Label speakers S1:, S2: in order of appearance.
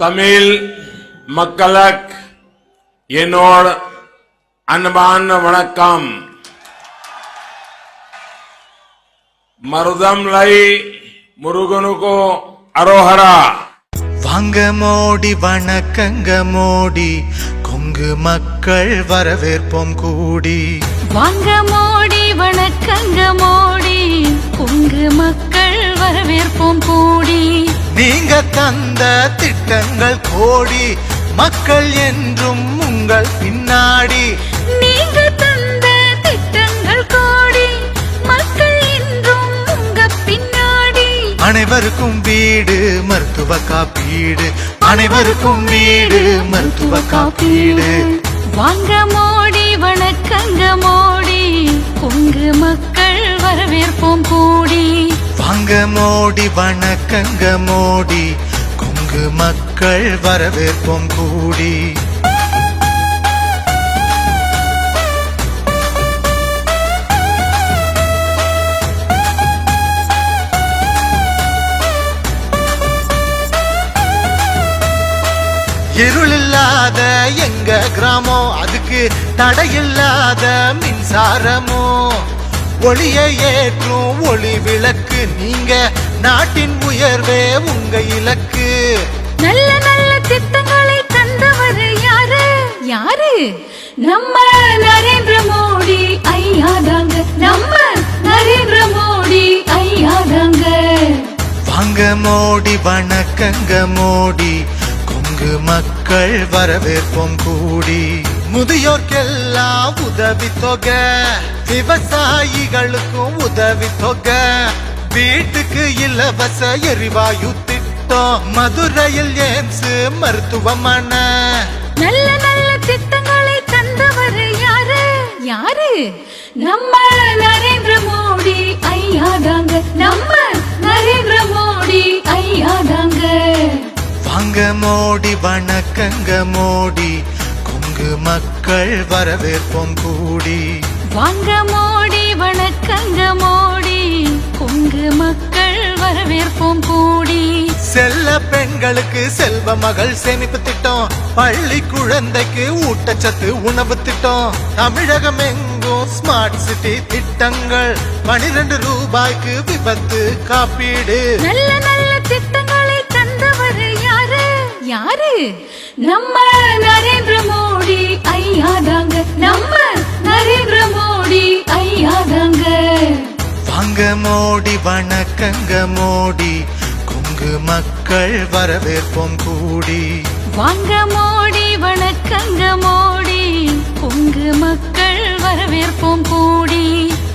S1: தமிழ் மக்களுக்கு என்னோட அன்பான வணக்கம். மருதம் லை முருகனுக்கு அரோஹரா.
S2: வாங்க மோடி வணக்கங்க மோடி, கொங்கு மக்கள் வரவேற்போம் கூடி.
S3: வாங்க மோடி வணக்கங்க மோடி, கொங்கு மக்கள் வரவேற்போம் கூடி.
S2: நீங்க தந்த திட்டங்கள் கோடி, மக்கள் என்றும் உங்கள் பின்னாடி.
S3: நீங்க தந்த திட்டங்கள் கோடி, மக்கள் என்றும் உங்க பின்னாடி.
S2: அனைவருக்கும் வீடு மருத்துவ காப்பீடு, அனைவருக்கும் வீடு மருத்துவ காப்பீடு.
S3: வாங்க மோடி வணக்கங்க மோடி, கொங்கு மக்கள் வரவேற்போம் கூடி.
S2: வாங்க மோடி வணக்கங்க மோடி, கொங்கு மக்கள் வரவேற்போம் கூடி. இருளில்லாத எங்க கிராமம், அதுக்கு தடையில்லாத மின்சாரமோ. ஒளியை ஏற்றும் ஒளி விளக்கு, நீங்க நாட்டின் உயர்வே உங்க இலக்கு.
S3: நல்ல நல்ல திட்டங்களை தந்தவர் யாரு யாரு? நம்ம நரேந்திர மோடி ஐயா தாங்க, நம்ம நரேந்திர மோடி ஐயா தாங்க.
S2: வாங்க மோடி வணக்கங்க மோடி, கொங்கு மக்கள் வரவேற்போம் கூடி. முதியோர்க்கெல்லாம் உதவி தொகை, விவசாயிகளுக்கும் உதவி தொகை, வீட்டுக்கு இலவச எரிவாயு திட்டம், மதுரையில் எய்ம்ஸ் மருத்துவமனை.
S3: நல்ல நல்ல திட்டங்களை தந்தவர் யாரு யாரு? நம்ம நரேந்திர மோடி ஐயா தாங்க, நம்ம நரேந்திர மோடி ஐயா தாங்க.
S2: வாங்க மோடி வணக்கங்க மோடி, கொங்கு மக்கள் வரவேற்போம் கூடி.
S3: வாங்க மோடி வணக்கங்க மோடி, கொங்கு மக்கள் வரவேற்போம் கூடி.
S2: செல்ல பெண்களுக்கு செல்வ மகள் சேமிப்பு திட்டம், பள்ளி குழந்தைக்கு ஊட்டச்சத்து உணவு திட்டம், தமிழகம் எங்கும் ஸ்மார்ட் சிட்டி திட்டங்கள், 12 ரூபாய்க்கு விபத்து காப்பீடு.
S3: நல்ல நல்ல திட்டங்களை தந்தவர் யாரு யாரு? நம்ம நரேந்திர மோடி ஐயா தாங்க, நம்ம நரேந்திர மோடி ஐயா தாங்க.
S2: வாங்க மோடி வணக்கங்க மோடி, கொங்கு மக்கள் வரவேற்போம் கூடி.
S3: வாங்க மோடி வணக்கங்க மோடி, கொங்கு மக்கள் வரவேற்போம் கூடி.